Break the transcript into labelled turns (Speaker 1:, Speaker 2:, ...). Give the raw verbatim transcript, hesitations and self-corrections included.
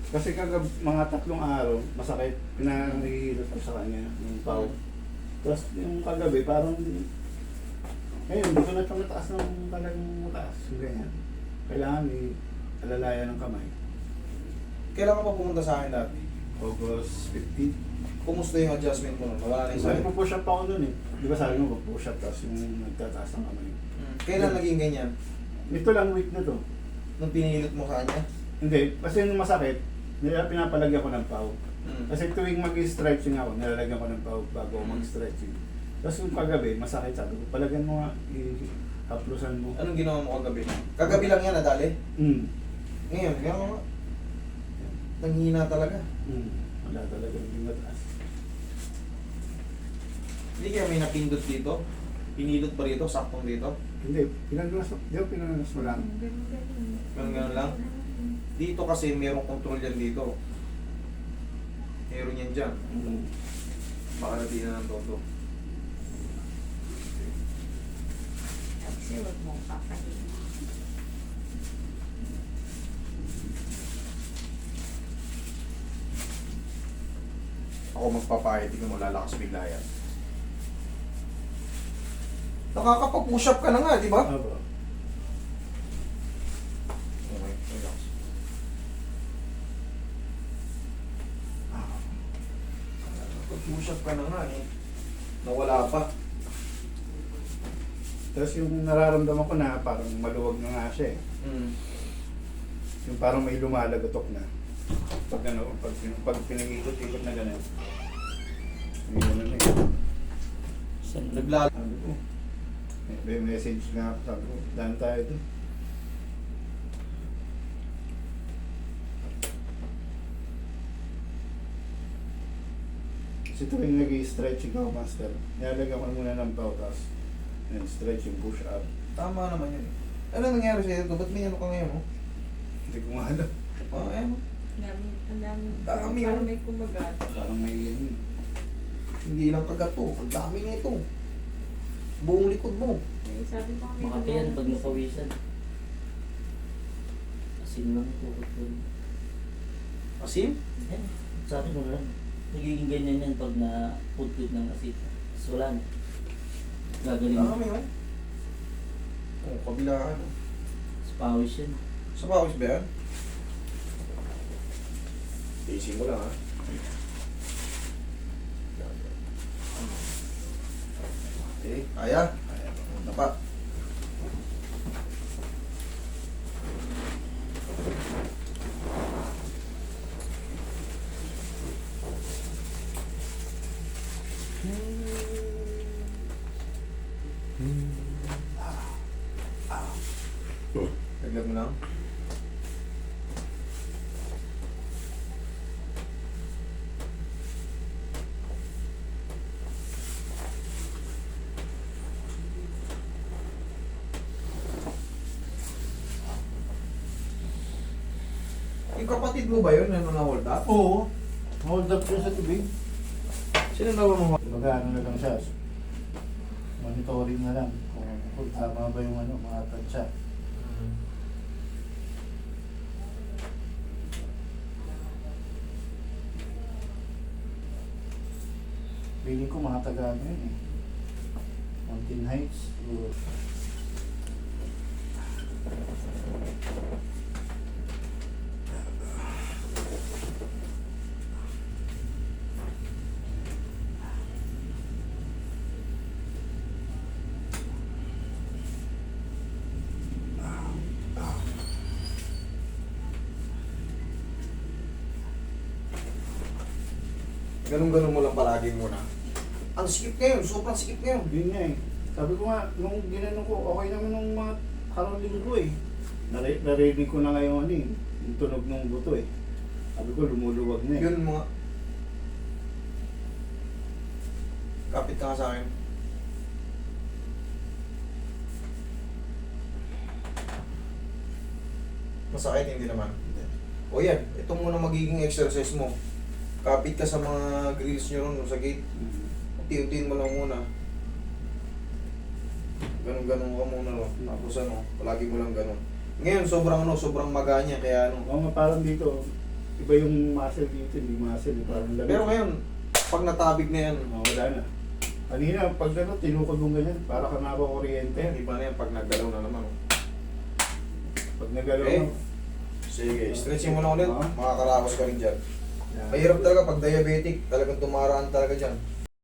Speaker 1: Kasi kagab mga tatlong araw, masakit, pinahihilot ko sa kanya, yung pau. Tapos yung kagabi, parang, ngayon, hindi ko na ito mataas ng talagang mataas, yung ganyan. Kailangan may alalayan ng kamay.
Speaker 2: Kailan ka pa pumunta sa akin dati?
Speaker 1: August fifteenth.
Speaker 2: Kumusta yung adjustment mo nun? Wala na yung
Speaker 1: Sabi
Speaker 2: sakit.
Speaker 1: ko push up ako dun eh. Di ba sabi mo, push up, tapos yung nagtataas ng kamay.
Speaker 2: Hmm. Kailan naging ganyan?
Speaker 1: Ito lang week na to.
Speaker 2: Nung pinilot mo sa kanya?
Speaker 1: Hindi, kasi yung masakit, nila pinapalagyan ko ng pau.
Speaker 2: Hmm.
Speaker 1: Kasi tuwing mag-stretching ako, nilalagyan ko ng pau bago ako mag-stretching. Tapos yung kagabi, masakit, sabi ko, palagyan mo nga, i-haplusan mo.
Speaker 2: Anong ginawa mo kagabi? Kagabi lang yan, nadali?
Speaker 1: Mm.
Speaker 2: Ngayon, gano'n nga. Nanghina talaga.
Speaker 1: Mm. Wala talaga, hindi mataas.
Speaker 2: Hindi kaya may napindot dito? Pinilot pa rito? Saktong dito?
Speaker 1: Hindi, pinagalas mo, di ba pinagalas mo lang?
Speaker 2: Ganun ganun lang? Dito kasi merong control yan dito. Meron yan dyan.
Speaker 1: Mm.
Speaker 2: Baka natin na ng todo.
Speaker 3: Kasi huwag mong papahin.
Speaker 2: Ako magpapahit, tingnan mo lalakas bigla yan. Nakakapag-push up ka na nga, di ba?
Speaker 1: Aba.
Speaker 2: Okay, relax. Nakakapag-push up ka na nga eh. Nawala pa.
Speaker 1: Tapos yung nararamdaman ko na parang maluwag na nga siya eh.
Speaker 2: Mm.
Speaker 1: Yung parang may lumalagatok na. Pag ano, pag, pag pinag-ikot-ikot na gano'n. May gano'n na eh.
Speaker 2: Naglalo.
Speaker 1: Sabi ko, may, may message nga ako, sabi ko, daan tayo doon. Kasi tuwing nag-i-stretching ako, master, nilalagyan ko muna ng pau, tapos and stretching, push up.
Speaker 2: Tama naman yun. Ano nangyari sa'yo ito? Ba't may ano ka ngayon? Oh?
Speaker 1: Hindi ko nga alam.
Speaker 2: Oh, ayan.
Speaker 3: Ang dami, ang dami.
Speaker 2: Dami,
Speaker 3: Parang
Speaker 2: oh.
Speaker 3: may kumagat.
Speaker 1: Parang may yun.
Speaker 2: Hindi lang kagat to. Ang dami nito. Buong likod mo.
Speaker 3: Eh, sabi ko kami.
Speaker 4: Makati yan pag napawisan. Asin lang po.
Speaker 2: Asim?
Speaker 4: Yan. Sa akin wala. Nagiging ganyan yan pag na-putput ng asin. So wala na. Gagaling
Speaker 2: Dami
Speaker 4: mo.
Speaker 2: oh. Oh, kabilaan. Oh.
Speaker 4: Sa pawis yan.
Speaker 2: Sa pawis ba yan? Easy mo lang ha. Okay, kaya? Kaya. Punta pa. Dagdag mo lang. Yung kapatid mo ba yun na na-hold up?
Speaker 1: Oo. Hold up siya sa tubig.
Speaker 2: Sino na ba mo?
Speaker 1: Mag-ano na lang siya. Monitoring na lang kung, kung tama ba yung ano, mga tansya. Feeling ko mga taga ano yun eh. Mountain Heights. Siguro.
Speaker 2: Ganun-ganun mo lang palagi muna. Ang sikip ngayon, sobrang sikip ngayon.
Speaker 1: Yun nga eh. Sabi ko nga, nung ginano ko, okay naman nung mga karong linggo eh. Nare- Narinig ko na ngayon ano eh, yung tunog ng buto eh. Sabi ko, lumuluwag na eh.
Speaker 2: Yun mga... Kapit ka nga sa akin. Masakit, hindi naman. O yan, ito muna magiging exercise mo. Kapit ka sa mga grills nyo ron sa gate.
Speaker 1: Mhm.
Speaker 2: Unti-untiin mo lang muna. Ganun-ganun ka muna ron. Tapos ano, palagi mo lang ganun. Ngayon, sobrang ano, sobrang maganya. Kaya ano,
Speaker 1: Oo nga, parang dito, iba yung muscle dito, hindi muscle, eh, parang lamig.
Speaker 2: Pero ngayon, pag natabig na yan,
Speaker 1: Oh, wala na. Kanina, pag ano, tinukod mong ganyan, para ka nakakuryente.
Speaker 2: ayan, iba na yan pag naggalaw na naman. oh.
Speaker 1: Pag nagalaw
Speaker 2: Okay.
Speaker 1: mo.
Speaker 2: Sige, stretching mo na ulit,
Speaker 1: Oo.
Speaker 2: makakaraos ka rin dyan.
Speaker 1: Yan.
Speaker 2: Mahirap talaga pag diabetic, talagang tumaraan talaga dyan.